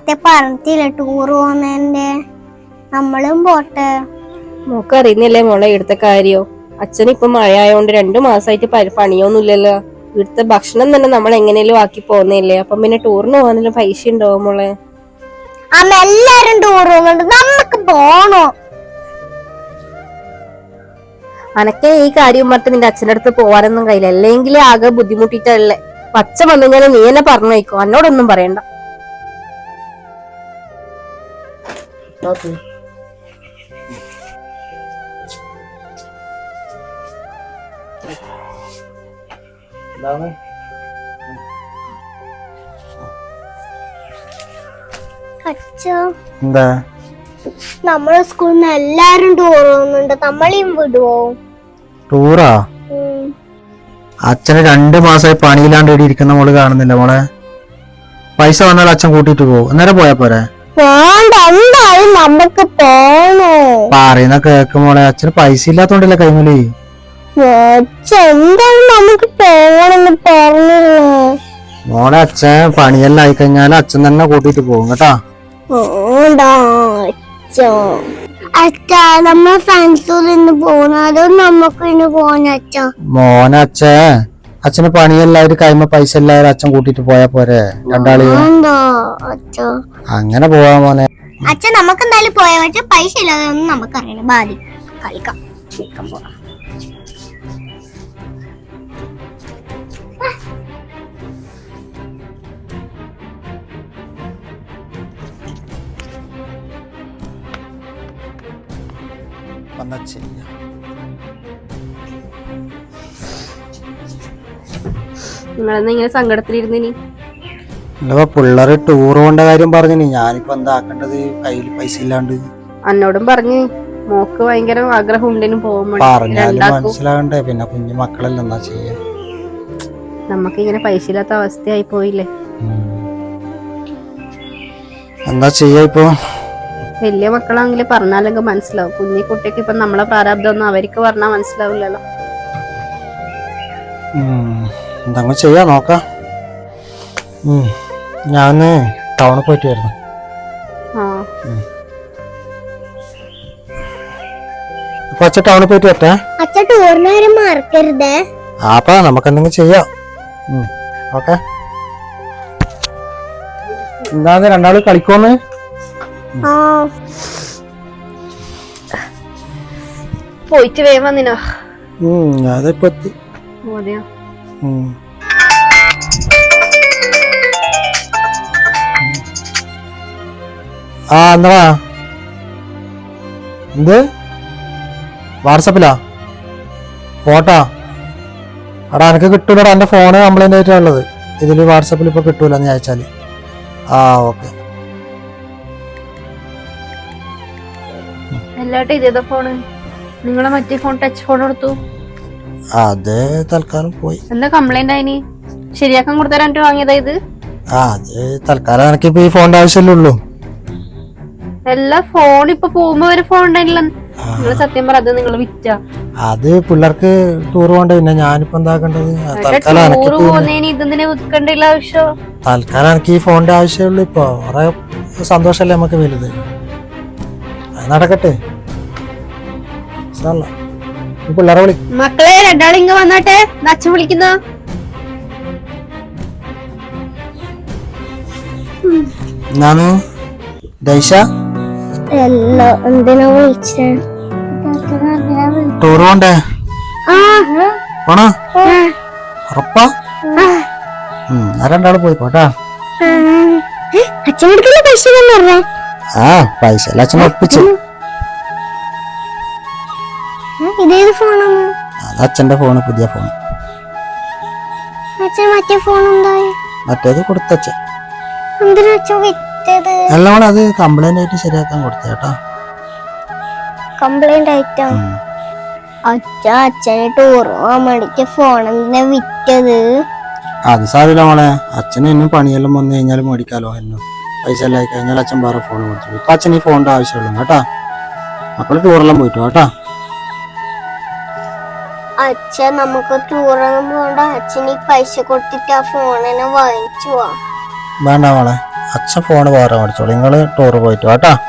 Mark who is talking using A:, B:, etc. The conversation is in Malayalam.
A: നേരത്തെ പറഞ്ഞില്ല ടൂർ പോകുന്നതിന്റെ. നമ്മളും പോട്ടെ.
B: മോക്ക് അറിയുന്നില്ലേ മോളെ ഇവിടുത്തെ കാര്യോ? അച്ഛൻ ഇപ്പൊ മഴ ആയതുകൊണ്ട് 2 മാസമായിട്ട് പണിയൊന്നുമില്ലല്ലോ. ഇവിടുത്തെ ഭക്ഷണം തന്നെ നമ്മൾ എങ്ങനെയും ആക്കി പോകുന്നില്ലേ. അപ്പം പിന്നെ ടൂറിന് പോകാനുള്ള പൈസ ഉണ്ടാവും മോളെ.
A: അമ്മ എല്ലാരും ടൂർ പോകുന്നുണ്ട്, നമുക്ക് പോണോ?
B: അനക്കെ ഈ കാര്യം പറഞ്ഞിട്ട് നിന്റെ അച്ഛൻ്റെ അടുത്ത് പോവാനൊന്നും കഴിയില്ല. അല്ലെങ്കിൽ ആകെ ബുദ്ധിമുട്ടിട്ടല്ലേ. അച്ഛൻ വന്നു കഴിഞ്ഞാൽ നീ എന്നെ പറഞ്ഞു വയ്ക്കോ, എന്നോടൊന്നും പറയണ്ട.
C: എന്താ
A: നമ്മളെ സ്കൂളിൽ നിന്ന് എല്ലാരും ടൂർ പോകുന്നുണ്ട്, നമ്മളെയും വിടുവോ?
C: ടൂറാ? അച്ഛന് 2 മാസമായി പണിയില്ലാണ്ട് ഇവിടെ ഇരിക്കുന്ന മോള് കാണുന്നില്ല മോളെ. പൈസ വന്നാൽ അച്ഛൻ കൂട്ടിട്ട് പോകും, അന്നേരം പോയാ പോരെ?
A: എന്തായാലും നമുക്ക് പോണോ?
C: പറയുന്ന കേക്ക് മോളെ, അച്ഛന് പൈസ ഇല്ലാത്തോണ്ടല്ലേ കൈമലി.
A: എന്തായാലും നമുക്ക് പോണെന്ന് പറഞ്ഞില്ലേ
C: മോളെ. അച്ഛൻ പണിയെല്ലാം ആയിക്കഴിഞ്ഞാൽ അച്ഛൻ തന്നെ കൂട്ടിട്ട് പോകും കേട്ടാ.
A: അച്ഛാ നമ്മ ഫ്രണ്ട്സിൽ നിന്ന് പോണോ നമുക്ക് ഇന്ന് പോണ? അച്ഛാ
C: മോനെ, അച്ഛന് പണിയെല്ലാവരും കൈമ പൈസ എല്ലാവരും അച്ഛൻ കൂട്ടിട്ട് പോയാ പോരെ? രണ്ടാളെയും അങ്ങനെ പോവാ മോനെ.
A: അച്ഛൻ നമുക്ക് എന്തായാലും പോയാ പറ്റ, പൈസ ഇല്ലാതെ ഒന്നും നമുക്കറിയണം. ബാധി കളിക്കാം പോവാം.
B: നിങ്ങളെന്നാ ഇങ്ങനെ സങ്കടത്തിലിരുന്നിനി?
C: പിള്ളേര് ടൂർ പോകേണ്ട കാര്യം പറഞ്ഞു. ഞാനിപ്പോ എന്താ ആക്കേണ്ടത്? കയ്യിൽ പൈസ ഇല്ലാണ്ട്.
B: അന്നോടും പറഞ്ഞു മോക്ക് ഭയങ്കര ആഗ്രഹം ഉണ്ടെന്ന് പോകുമ്പോൾ
C: പറഞ്ഞാലും മനസ്സിലാകണ്ടേ. പിന്നെ കുഞ്ഞു മക്കളെല്ലാം എന്താ ചെയ്യാ?
B: നമുക്ക് ഇങ്ങനെ പൈസ ഇല്ലാത്ത അവസ്ഥയായി പോയില്ലേ.
C: എന്താ ചെയ്യാ ഇപ്പൊ?
B: വലിയ മക്കളാണെങ്കിൽ പറഞ്ഞാലെങ്കിൽ മനസ്സിലാവും. കുഞ്ഞി കുട്ടിക്ക് ഇപ്പൊ നമ്മളെ പ്രാരാബ്ദം ഒന്നും അവർക്ക് പറഞ്ഞാൽ മനസ്സിലാവില്ലല്ലോ.
C: എന്താ ചെയ്യാ നോക്കാം. ഞാന് ടൗണിൽ പോയിട്ട് വരുന്നു. അച്ഛൻ ടൗണിൽ പോയിട്ട് വരട്ടെ.
A: അച്ഛൻ ടൂറിന് വരെ മറക്കരുതേ.
C: അപ്പൊ നമുക്ക് എന്തെങ്കിലും ചെയ്യാം. ഓക്കെ. എന്താന്ന് രണ്ടാള് കളിക്കോന്ന്?
B: പോയിട്ട് വേഗം വന്നിനോ?
C: അതിപ്പോ എത്തി. എന്താ എന്ത് വാട്സപ്പിലാ ഫോട്ടോ? എടാ എനിക്ക് കിട്ടൂലടാ, എന്റെ ഫോണ് കംപ്ലൈന്റ് ആയിട്ടുള്ളത്. ഇതില് വാട്സപ്പിൽ ഇപ്പൊ കിട്ടൂല നീ അയച്ചാല്. ഓക്കെ.
B: ഇതേതാ ഫോണ്? നിങ്ങളെ മറ്റേ ഫോൺ ടച്ച് ഫോൺ എടുത്തു?
C: അത് തൽക്കാലം പോയി.
B: എന്താ കംപ്ലൈന്റ് ആയിനി? ശരിയാക്കാൻ കൊടുത്തരാൻ വാങ്ങിയതാ ഇത്?
C: അത് തൽക്കാലം എനിക്കിപ്പോ ഈ ഫോണിന്റെ ആവശ്യമല്ലേ ഉള്ളൂ.
B: എല്ലാ ഫോൺ ഇപ്പൊ പോകുമ്പോ ഒരു ഫോൺ ഉണ്ടായില്ല. നിങ്ങൾ സത്യം പറ, അത് നിങ്ങൾ വിറ്റ? അത്
C: പിള്ളേർക്ക് ടൂർ പോകണ്ട. പിന്നെ ഞാനിപ്പോ എന്താക്കേണ്ടത്? തൽക്കാലം എനിക്ക് ഈ ഫോണിന്റെ ആവശ്യമുള്ളൂ. ഇപ്പൊ കുറെ സന്തോഷല്ലേ നമുക്ക് വലുത്. നടക്കട്ടെ. പിള്ളേരെ വിളി.
B: മക്കളെ രണ്ടാളിങ്ങ വന്നാട്ടെ, അച്ഛൻ വിളിക്കുന്ന.
C: എന്നാണ് ദൈശ
A: എന്തിനാ വിളിച്ചേ?
C: ടൂർ പോണ്ടേ? പോണോ? ഉറപ്പാ? രണ്ടാള് പോയി പോട്ടാ.
A: അച്ഛനെടുക്കുന്ന പൈസ പറഞ്ഞേ.
C: പൈസ എല്ലാം അച്ഛൻ ഒപ്പിച്ചു.
A: ഇതേത് ഫോണാണ്?
C: അത് അച്ഛന്റെ ഫോണ്, പുതിയ ഫോണ്.
A: അച്ഛൻ മറ്റേ ഫോൺ ഉണ്ടായി?
C: മറ്റേത് കൊടുത്തച്ഛൻ.
A: എന്തിനാ അച്ഛൻ വിറ്റത്?
C: എല്ലാം അത് കംപ്ലൈന്റ് ആയിട്ട് ശരിയാക്കാൻ കൊടുത്തേട്ടാ.
A: കംപ്ലൈന്റ് ആയിട്ടാ? അച്ഛന് ടൂർ പോകാൻ വേണ്ടിട്ട് ഫോൺ എന്തിനാ വിറ്റത്?
C: അത് സാരില്ല മോളെ. അച്ഛന് എന്നും പണിയെല്ലാം വന്നു കഴിഞ്ഞാൽ മേടിക്കാലോ. എന്നും പൈസ എല്ലാം ആയി കഴിഞ്ഞാൽ അച്ഛൻ വേറെ ഫോൺ കൊടുത്തു. ഇപ്പൊ അച്ഛൻ ഈ ഫോണിന്റെ ആവശ്യമുള്ളൂ കേട്ടാ. മക്കള് ടൂറെല്ലാം പോയിട്ടു കേട്ടാ.
A: അച്ഛൻ നമുക്ക് ടൂറൊന്നും പോകണ്ട. അച്ഛൻ ഈ പൈസ കൊടുത്തിട്ട് ആ ഫോണിനെ വാങ്ങിച്ചു പോവാ.
C: വേണ്ട മോളെ, അച്ഛൻ ഫോണ് വേറെ മേടിച്ചോളൂ, നിങ്ങൾ ടൂറ് പോയിട്ട് വാട്ടാ.